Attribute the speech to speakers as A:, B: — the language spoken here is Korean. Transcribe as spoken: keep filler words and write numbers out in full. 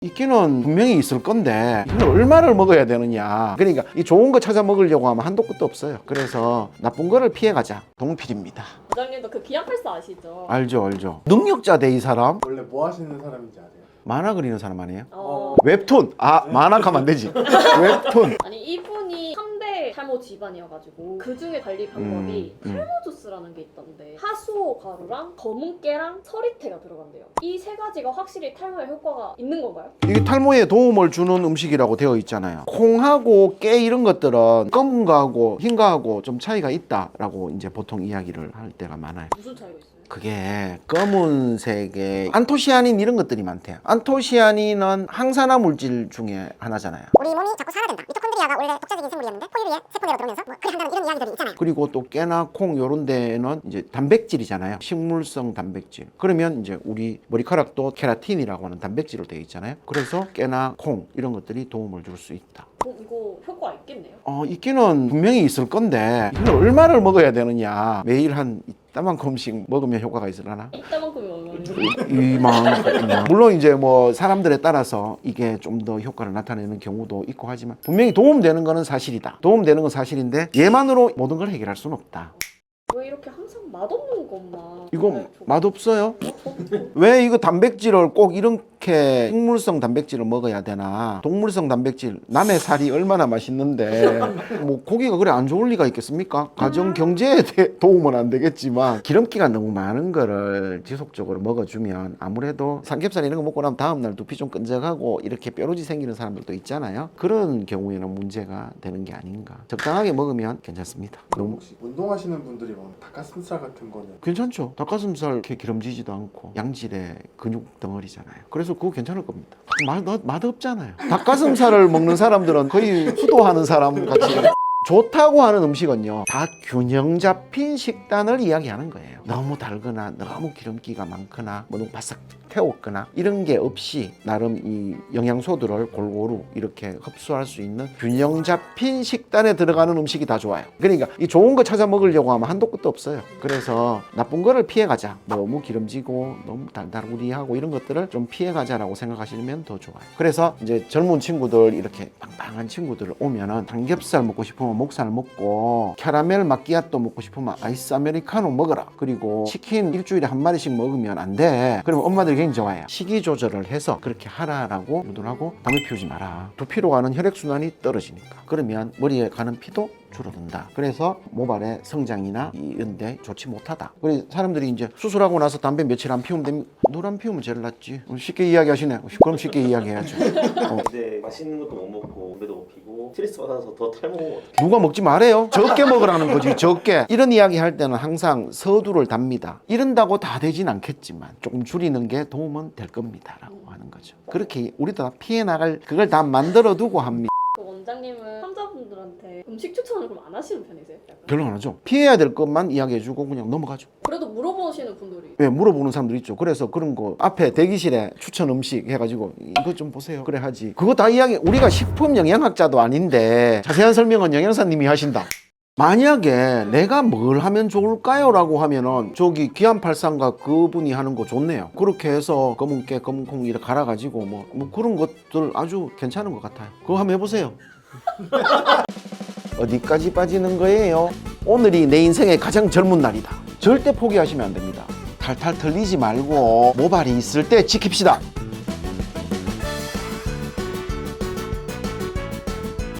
A: 있기는 분명히 있을 건데 이걸 얼마를 먹어야 되느냐. 그러니까 이 좋은 거 찾아 먹으려고 하면 한도 끝도 없어요. 그래서 나쁜 거를 피해가자. 동필입니다.
B: 부장님도 그 기안팔사 아시죠?
A: 알죠 알죠. 능력자 돼 이 사람.
C: 원래 뭐 하시는 사람인지 아세요?
A: 만화 그리는 사람 아니에요?
B: 어...
A: 웹툰. 아 만화가면 안 되지. 웹툰.
B: 아니 이분이 삼 대 탈모 집안이어가지고 그 중에 관리 방법이
A: 음, 음.
B: 탈모 주스라는 게 있던데 하수오 가루랑 검은 깨랑 서리태가 들어간대요. 이 세 가지가 확실히 탈모에 효과가 있는 건가요?
A: 이게 탈모에 도움을 주는 음식이라고 되어 있잖아요. 콩하고 깨 이런 것들은 검은 거하고 흰 거하고 좀 차이가 있다라고 이제 보통 이야기를 할 때가 많아요.
B: 무슨 차이가 있어요?
A: 그게 검은색의 안토시아닌 이런 것들이 많대요. 안토시아닌은 항산화 물질 중에 하나잖아요.
D: 우리 몸이 자꾸 산화된다. 미토콘드리아가 원래 독자적인 생물이었는데 포유류에 세포내로 들어오면서 뭐 그래 한다는 이런 이야기들이 있잖아요.
A: 그리고 또 깨나 콩 요런 데는 이제 단백질이잖아요. 식물성 단백질. 그러면 이제 우리 머리카락도 케라틴이라고 하는 단백질로 되어 있잖아요. 그래서 깨나 콩 이런 것들이 도움을 줄 수 있다.
B: 어, 이거 효과 있겠네요?
A: 어, 있기는 분명히 있을 건데 이걸 얼마를 먹어야 되느냐. 매일 한 이따만큼씩 먹으면 효과가 있으려나?
B: 이따만큼이 얼마인지?
A: 이만큼. 물론 이제 뭐 사람들에 따라서 이게 좀 더 효과를 나타내는 경우도 있고 하지만 분명히 도움되는 거는 사실이다. 도움되는 건 사실인데 얘만으로 모든 걸 해결할 수는 없다.
B: 왜 이렇게 항상 맛없는 것만
A: 이거 맛없어요? 왜 이거 단백질을 꼭 이렇게 식물성 단백질을 먹어야 되나? 동물성 단백질, 남의 살이 얼마나 맛있는데 뭐 고기가 그래 안 좋을 리가 있겠습니까? 가정 경제에 도움은 안 되겠지만 기름기가 너무 많은 거를 지속적으로 먹어주면 아무래도 삼겹살 이런 거 먹고 나면 다음날 두피 좀 끈적하고 이렇게 뾰루지 생기는 사람들도 있잖아요. 그런 경우에는 문제가 되는 게 아닌가. 적당하게 먹으면 괜찮습니다. 너무
C: 혹시 운동하시는 분들이 뭐 닭가슴살 같은 거는
A: 괜찮죠. 닭가슴살 이렇게 기름지지도 않고 양질의 근육 덩어리잖아요. 그래서 그거 괜찮을 겁니다. 맛, 맛없잖아요. 닭가슴살을 먹는 사람들은 거의 수도하는 사람 같이. 좋다고 하는 음식은요 다 균형 잡힌 식단을 이야기하는 거예요. 너무 달거나 너무 기름기가 많거나 뭐 너무 바싹 태웠거나 이런 게 없이 나름 이 영양소들을 골고루 이렇게 흡수할 수 있는 균형 잡힌 식단에 들어가는 음식이 다 좋아요. 그러니까 이 좋은 거 찾아 먹으려고 하면 한도 끝도 없어요. 그래서 나쁜 거를 피해가자. 너무 기름지고 너무 달달구리하고 이런 것들을 좀 피해가자라고 생각하시면 더 좋아요. 그래서 이제 젊은 친구들 이렇게 빵빵한 친구들 오면은 삼겹살 먹고 싶으면 목살 먹고 캐러멜 마끼아또 먹고 싶으면 아이스 아메리카노 먹어라. 그리고 치킨 일주일에 한 마리씩 먹으면 안 돼. 그러면 엄마들이 굉장히 좋아해요. 식이 조절을 해서 그렇게 하라라고 유도를 하고 담배 피우지 마라. 두피로 가는 혈액순환이 떨어지니까. 그러면 머리에 가는 피도 줄어든다. 그래서 모발의 성장이나 이런 데 좋지 못하다. 그래서 사람들이 이제 수술하고 나서 담배 며칠 안 피우면 됩니까? 늘 안 피우면 제일 낫지. 쉽게 이야기하시네. 그럼 쉽게 이야기해야죠. 어.
E: 근데 맛있는 것도 못 먹고 담배도 못 피고 스트레스 받아서 더 탈모.
A: 누가 먹지 말아요. 적게 먹으라는 거지. 적게. 이런 이야기 할 때는 항상 서두를 답니다. 이런다고 다 되진 않겠지만 조금 줄이는 게 도움은 될 겁니다 라고 하는 거죠. 그렇게 우리도 다 피해 나갈 그걸 다 만들어 두고 합니다.
B: 그 원장님은 환자분들한테 음식 추천을 그럼 안 하시는 편이세요? 약간?
A: 별로 안 하죠. 피해야 될 것만 이야기해주고 그냥 넘어가죠.
B: 그래도 물어보시는 분들이
A: 왜 물어보는 사람들 있죠. 그래서 그런 거 앞에 대기실에 추천 음식 해가지고 이거 좀 보세요. 그래 하지. 그거 다 이야기. 우리가 식품 영양학자도 아닌데 자세한 설명은 영양사님이 하신다. 만약에 내가 뭘 하면 좋을까요? 라고 하면은 저기 기안팔삼가 그분이 하는 거 좋네요. 그렇게 해서 검은 깨, 검은 콩 이렇게 갈아가지고 뭐, 뭐 그런 것들 아주 괜찮은 것 같아요. 그거 한번 해보세요. 어디까지 빠지는 거예요? 오늘이 내 인생의 가장 젊은 날이다. 절대 포기하시면 안 됩니다. 탈탈 털리지 말고 모발이 있을 때 지킵시다.